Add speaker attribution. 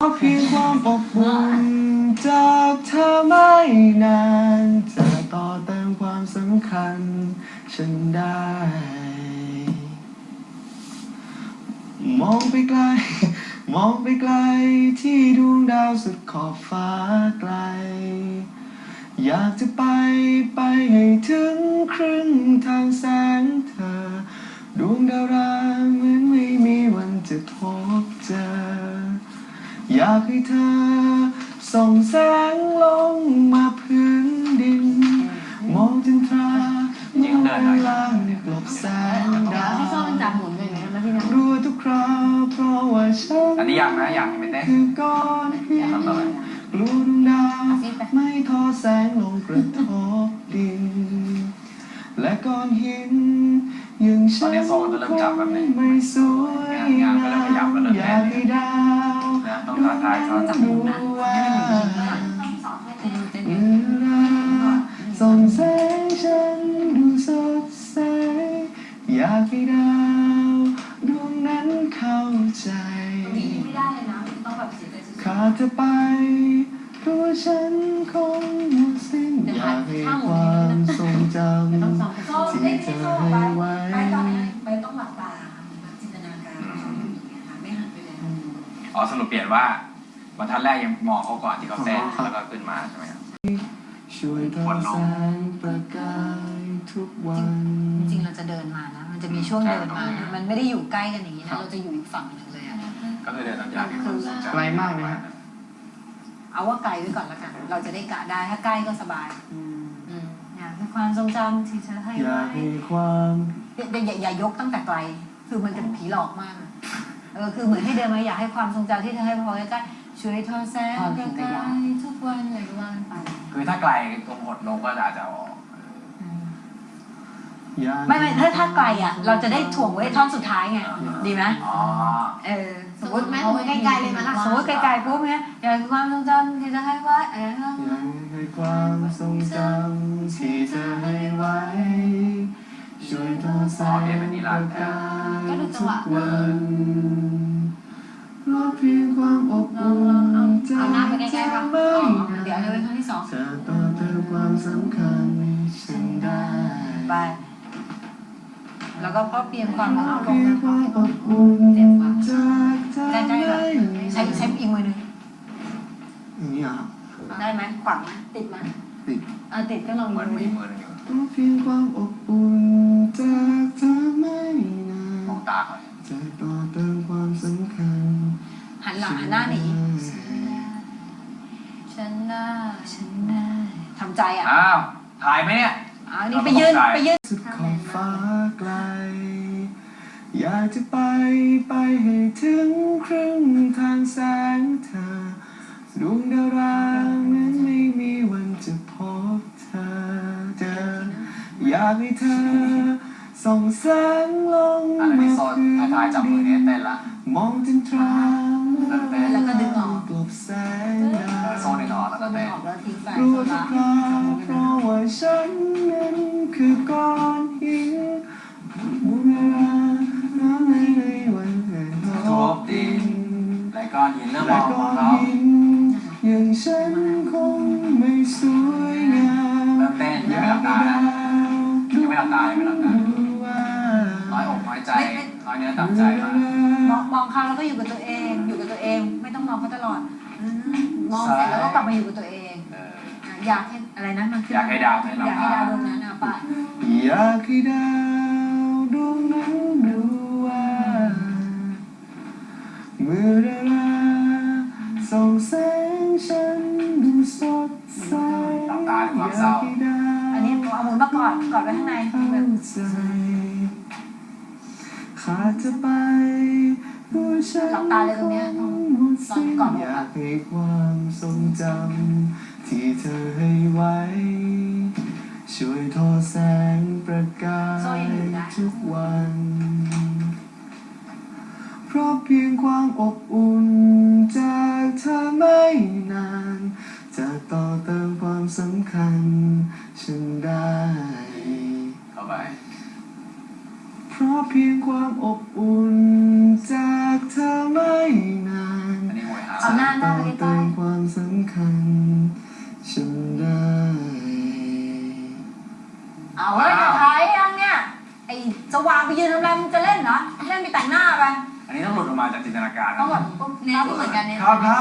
Speaker 1: เพียงความอบอุ่นจากเธอไม่นานจะต่อเติมความสำคัญฉันได้มองไปไกลมองไปไกลที่ดวงดาวสุดขอบฟ้าไกลอยากจะไปให้ถึงครึ่งทางแสงเธอดวงดาวราเหมือนไม่มีวันจะพบเจออยากให้เธอส่องแสงลงมาพื้นดินมองจันทราเมื่อเวลากลบแสงดาว
Speaker 2: ให้ชอบมันจับหมุนเลยนะพี่นะ
Speaker 1: รัวทุกคราวเพราะว่าฉัน
Speaker 3: อันนี้ยังนะยังไม่เต้น
Speaker 1: คือก้อนหินกลัวดวงดาวไม่ทอแสงลงกระทบดินและก้อนหินยังฉันคงไม่สวยงามอยากให้ดาว
Speaker 3: ต้องท้าทายเขาจับหมุนนะ
Speaker 1: ส่องแสงฉันดูสดใสอยากให้ดาวดวงนั้นเข้าใจ
Speaker 2: ไม่ได้เลยนะต้องแบบเสียใจสุด
Speaker 1: ขาดเธอไปเพราะฉันคงหมดสิ้นอยากให้ความทรงจำที่เธอให้ไว้
Speaker 2: ไปต้องหลับตาจินตนาการไม่หันไปเลย
Speaker 3: อ๋อสรุปเปลี่ยนว่าบรรทัดแรกยังมองเขาก่อนที่เขาเต้นแล้วก็ขึ้นมาใช่ไหมครับ
Speaker 1: ช่วยทอแสงประกายทุกวัน
Speaker 2: จริงๆเราจะเดินมานะมันจะมีช่วงเดินมานะมันไม่ได้อยู่ใกล้กันอย่างนี้นะเราจะอยู่อีกฝั่งหนึ่งเลยอ่ะ
Speaker 3: ก็คือเดินตามยาว
Speaker 1: ไกลมากเลยนะ
Speaker 2: เอาว่าไกลไว้ก่อนละกันเราจะได้กะได้ถ้าใกล้ก็สบายอยากให้ความทรงจำที่เธอให้ไว้
Speaker 1: อยากให้ความ
Speaker 2: อย่ายกตั้งแต่ไกลคือมันจะผีหลอกมากคือเหมือนให้เดินมาอยากให้ความทรงจำที่เธอให้พอใกล้ช่วยทอแสงประกายทุกวันอะไรก็ว่าไป
Speaker 3: คือถ้าไกลตรงหดลงก็อาจจะออก
Speaker 2: ไม่ถ้าไกลอ่ะเราจะได้ถ่วงไว้ท่อนสุดท้ายไงดีไหมสมมติแม่ใกล้ๆเลยมั้ยล่ะสมมติไกลๆปุ๊บเนี่ยอยากให้ความทรงจำที่เธอให้ไว้
Speaker 1: อยากให้ความทรงจำที่เธอให้ไว้ช่วยทอแสงประกายทุกวันเพราะเพียงความอบอุ่นจากเธอไม่นาน
Speaker 2: เดี๋ยวเอาไว้ครั้งที่สอง
Speaker 1: จะต่อเติมความสำคัญฉันได้
Speaker 2: ไปแล้วก็เพราะเพียงความ
Speaker 1: อบอุ่น
Speaker 2: เจ็บกว่า
Speaker 1: จากเธอ
Speaker 2: ได้ใช้อีกมือหนึ่ง
Speaker 1: อย่างนี้อ่ะ
Speaker 2: ได้ไหมขวางไหมติดไหมติดก็ลอง
Speaker 3: มือ
Speaker 2: ดิ
Speaker 3: มืออยู่
Speaker 1: เพราะเพียงความอบอุ่นจากเธอไม่นาน
Speaker 3: มองตาเขา
Speaker 1: จะต่อเติมความสำคัญ
Speaker 2: หันหลังหันหน้าหนีฉันได้ทำใจอ่ะ
Speaker 3: อ้าวถ่ายไหมเนี่ย
Speaker 2: นี่ไปยืน
Speaker 1: สุดขอบฟ้าไกลอยากจะไปให้ถึงครึ่งทางแสงเธอดวงดาวรานั้นไม่มีวันจะพบเธออยากให้เธอส่องแสงลงมาพื้นดินมองจันทรา
Speaker 2: แล้วก็ดึงออก
Speaker 1: กลบแสงดาว
Speaker 3: โซนดึงออกแล้วก็เต้น
Speaker 1: รู้ทุกคราวเพราะว่าฉันนั้นคือก้อนหินบุญราไม่ในวันแห่งทบดิน
Speaker 3: และก้อนหินเริ่มมองเขา
Speaker 1: อย่างฉันคงไม่สวยงาม
Speaker 3: เริ่มเต้นยังไม่หลับตาน้อยอกน้อยใจน้อยเนื้อต่ำใจ
Speaker 2: มองเขาแล้วก็อยู่กับตัวเองไม่ต้องมองเขาตลอดมองเสร็จแล้วก็กลับมาอยู่กับตัวเองอยากให้อะไรนะมัน
Speaker 3: อยากให้ดาว
Speaker 2: อยากให้ดาวดวงนั้นป่ะ
Speaker 1: อยากให้ดาวดวงนั้นรู้ว่าเมื่อดาราส่องแสงฉันดูสดใส
Speaker 3: อยากให้ดาว
Speaker 2: อันนี้เอามือมากอดไว้ข้างใน
Speaker 1: ขาดจะไปผู้ฉัน
Speaker 2: หลับตาเลยตรงเนี้ยตอนก่อน
Speaker 1: อยากให้ความทรงจำที่เธอให้ไว้ช่วยทอแสงประกายทุกวันเพราะเพียงความอบอุ่นจากเธอไม่นานจะต่อเติมความสำคัญฉันได้
Speaker 3: เข้าไป
Speaker 1: เพราะเพียงความอบอุ่นจากเธอไม่นาน
Speaker 2: เอาหน้าหน้าไปใกล้
Speaker 1: เติมความสำคัญฉันได้
Speaker 2: ๆเอาเฮ้ยจะถ่ายยังเนี่ยไอ้สว่างไปยืนทำอะไรมึงจะเล่นเหรอเล่นไปแต่งหน้าไป
Speaker 3: อันนี้ต้องหลุดออกมาจากจินตนาการ
Speaker 2: ต้อง
Speaker 3: นะ
Speaker 2: แบบเน้นเหมือนกันเนี่ย
Speaker 1: ครับ